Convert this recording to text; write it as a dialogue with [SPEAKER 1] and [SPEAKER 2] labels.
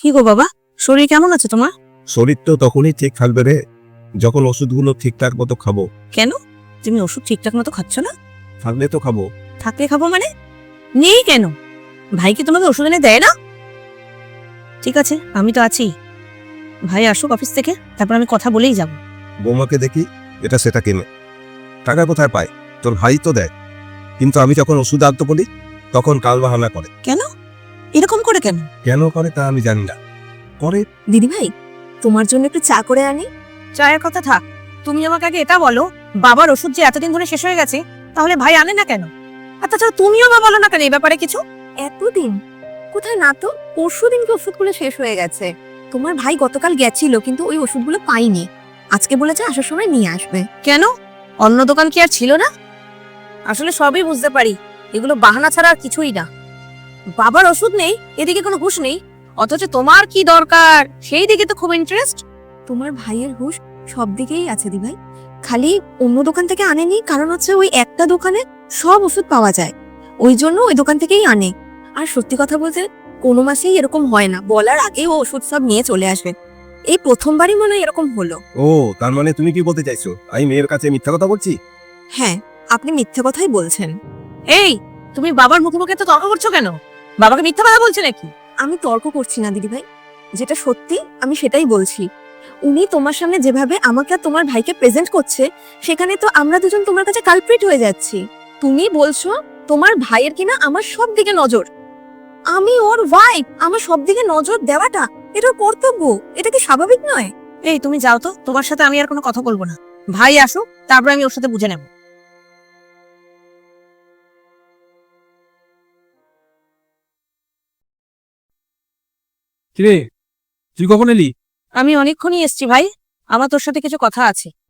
[SPEAKER 1] কি গো বাবা, শরীর কেমন আছে তোমার?
[SPEAKER 2] শরীর তো তখনই ঠিক থাকবে রে যখন ওষুধগুলো ঠিকঠাক মতো খাবো।
[SPEAKER 1] কেন? তুমি ওষুধ ঠিকঠাক মতো খাচ্ছ না?
[SPEAKER 2] থাকলে তো খাবো।
[SPEAKER 1] থাকলে খাবো মানে? নেই কেন? ভাই কি তোমাকে ওষুধ এনে দেয় না? ঠিক আছে, আমি তো আছি। ভাই আসুক অফিস থেকে, তারপর আমি কথা বলেই যাব।
[SPEAKER 2] বৌমাকে দেখি এটা সেটা কিনে, টাকা কোথায় পায়? তোর ভাই তো দেয়, কিন্তু আমি যখন ওষুধ আনতে বলি তখন কাল বাহানা করে।
[SPEAKER 1] কেন? এরকম করে কেন?
[SPEAKER 2] কেন করে তা আমি জানি না, করে।
[SPEAKER 3] দিদি ভাই, তোমার জন্য একটু চা করে আনি।
[SPEAKER 1] চায়ের কথা থাক, তুমি আমাকে আগে এটা বলো, বাবার ওষুধ যে এতদিন ধরে শেষ হয়ে গেছে, তাহলে ভাই আনে না কেন? আর তাছাড়া তুমিও বা বলো না কেন এই ব্যাপারে কিছু?
[SPEAKER 3] এতদিন কোথায় না তো, পরশু দিনকে ওষুধগুলো শেষ হয়ে গেছে। তোমার ভাই গতকাল গেছিল কিন্তু ওই ওষুধগুলো পাইনি, আজকে বলেছে আসার সময় নিয়ে আসবে।
[SPEAKER 1] কেন? অন্য দোকান কি আর ছিল না? আসলে সবই বুঝতে পারি, এগুলো বাহানা ছাড়া আর কিছুই না। বাবার ওষুধ নেই, এদিকে কোনো হুঁশ নেই, অথচ তোমার কি দরকার সেই দিকে তো খুব ইন্টারেস্ট।
[SPEAKER 3] তোমার ভাইয়ের হুঁশ সব দিকেই আছে দি ভাই, খালি অন্য দোকান থেকে আনেনি, কারণ হচ্ছে ওই একটা দোকানে সব ওষুধ পাওয়া যায়, ওই জন্য ওই দোকান থেকেই আনে। আর সত্যি কথা বলতে কোনো মাসেই এরকম হয় না, বলার আগেই ও ওষুধ সব নিয়ে চলে আসবে। এই প্রথমবারই মনে হয় এরকম হলো।
[SPEAKER 2] ও, তার মানে তুমি কি বলতে চাইছো আমি মেয়ের কাছে মিথ্যা কথা বলছি?
[SPEAKER 3] হ্যাঁ, আপনি মিথ্যে কথাই বলছেন।
[SPEAKER 1] এই, তুমি বাবার মুখে মুখে তো তর্ক করছো কেন? বাবাকে মিথ্যা কথা বলছে নাকি?
[SPEAKER 3] আমি তর্ক করছি না দিদি ভাই, যেটা সত্যি আমি সেটাই বলছি। উনি তোমার সামনে যেভাবে আমাকে আর তোমার ভাইকে প্রেজেন্ট করছে, সেখানে তো আমরা দুজন তোমার কাছে কালপ্রিট হয়ে যাচ্ছি। তুমি বলছো তোমার ভাইয়ের কিনা আমার সব দিকে নজর, আমি ওর ওয়াইফ, আমার সব দিকে নজর দেওয়াটা এটা ওর কর্তব্য, এটা কি স্বাভাবিক নয়?
[SPEAKER 1] এই তুমি যাও তো, তোমার সাথে আমি আর কোনো কথা বলবো না। ভাই আসুক, তারপর আমি ওর সাথে বুঝে নেব।
[SPEAKER 4] কিরে, তুই কখন এলি?
[SPEAKER 1] আমি অনেকক্ষণই এসছি ভাই, আমার তোর সাথে কিছু কথা আছে।